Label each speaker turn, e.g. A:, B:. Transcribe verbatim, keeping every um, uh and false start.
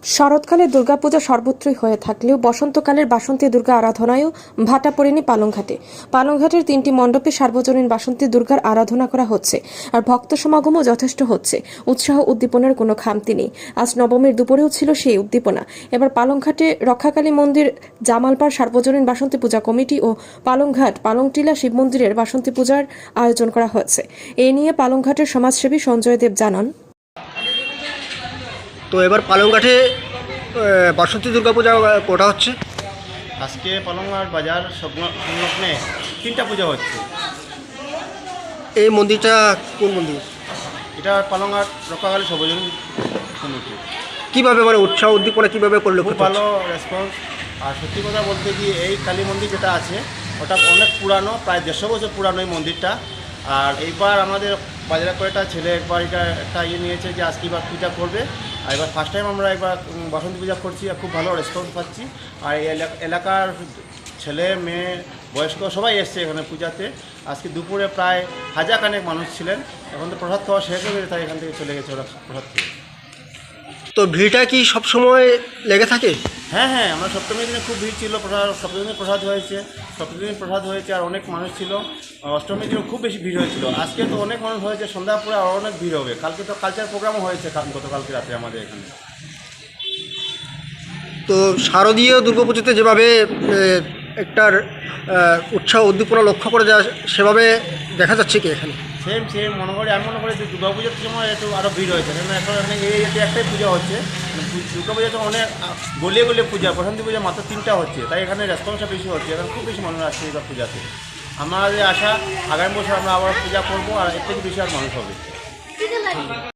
A: শরৎকালে দুর্গাপূজা সর্বত্রই হয়ে থাকলেও বসন্তকালের বাসন্তী দুর্গা আরাধনায়ও ভাটা পড়েনি পালংঘাটে। পালংঘাটের তিনটি মণ্ডপে সার্বজনীন বাসন্তী দুর্গার আরাধনা করা হচ্ছে, আর ভক্ত সমাগমও যথেষ্ট হচ্ছে। উৎসাহ উদ্দীপনার কোনো খামতি নেই। আজ নবমীর দুপুরেও ছিল সেই উদ্দীপনা। এবার পালংঘাটে রক্ষাকালী মন্দির, জামালপাড় সার্বজনীন বাসন্তী পূজা কমিটি ও পালংঘাট পালংটিলা শিব মন্দিরের বাসন্তী পূজার আয়োজন করা হয়েছে। এ নিয়ে পালংঘাটের সমাজসেবী সঞ্জয় দেব জানান,
B: তো এবার পালংঘাটে বাসন্তী দুর্গাপূজা কোটা হচ্ছে।
C: আজকে পালংঘাট বাজার সংলগ্নে তিনটা পূজা হচ্ছে।
B: এই মন্দিরটা কোন মন্দির?
C: এটা পালংঘাট রক্ষাকালী সর্বজনীন কমিটি।
B: কীভাবে মানে উৎসাহ উদ্দীপনা কীভাবে করলে
C: খুব ভালো রেসপন্স। আর সত্যি কথা বলতে কি, এই কালী মন্দির যেটা আছে ওটা অনেক পুরানো, প্রায় দেড়শো বছর পুরানো এই মন্দিরটা। আর এইবার আমাদের বাজারে কয়েকটা ছেলে একবার এটা একটা ইয়ে নিয়েছে যে আজকে এবার পূজা করবে। আর এবার ফার্স্ট টাইম আমরা একবার বাসন্তী পূজা করছি, আর খুব ভালো রেসপন্স পাচ্ছি। আর এই এলাকার ছেলে মেয়ে বয়স্ক সবাই এসছে এখানে পূজাতে। আজকে দুপুরে প্রায় হাজার খানেক মানুষ ছিলেন। এখন তো প্রসাদ খাওয়া শেষ হয়ে গেছে, তাই এখান থেকে চলে গেছে ওরা প্রসাদ খেয়ে।
B: তো ভিড়টা কি সব সময় লেগে থাকে?
C: হ্যাঁ হ্যাঁ আমরা সপ্তমীর দিনে খুব ভিড় ছিল। প্রসাদ সপ্তমী দিনে প্রসাদ হয়েছে, সপ্তমী দিন প্রসাদ হয়েছে, আর অনেক মানুষ ছিল। অষ্টমীর দিনে খুব বেশি ভিড় হয়েছিল। আজকে তো অনেক মানুষ হয়েছে, সন্ধ্যা পরে আরও অনেক ভিড় হবে। কালকে তো কালচার প্রোগ্রামও হয়েছে গতকালকে রাতে আমাদের এখানে।
B: তো শারদীয় দুর্গাপুজোতে যেভাবে একটার উৎসাহ উদ্দীপনা লক্ষ্য করে যায় সেভাবে দেখা যাচ্ছে কি এখানে?
C: সেম সেম মনে করি, আমি মনে করি যে দুর্গা পুজোর সময় একটু আরও ভিড় হয়েছে। কেন এখন এখানে এই এতে একটাই পূজা হচ্ছে। দুর্গা পুজোতে অনেক গলিয়ে গলিয়ে পূজা, বসন্তী পূজা মাত্র তিনটা হচ্ছে, তাই এখানে রেসপন্সটা বেশি হচ্ছে। এখন খুব বেশি মানুষ আসছে এই পূজাতে। আমাদের আশা আগামী বছর আমরা আবার পূজা করবো, আর এর থেকে বেশি আর মানুষ হবে।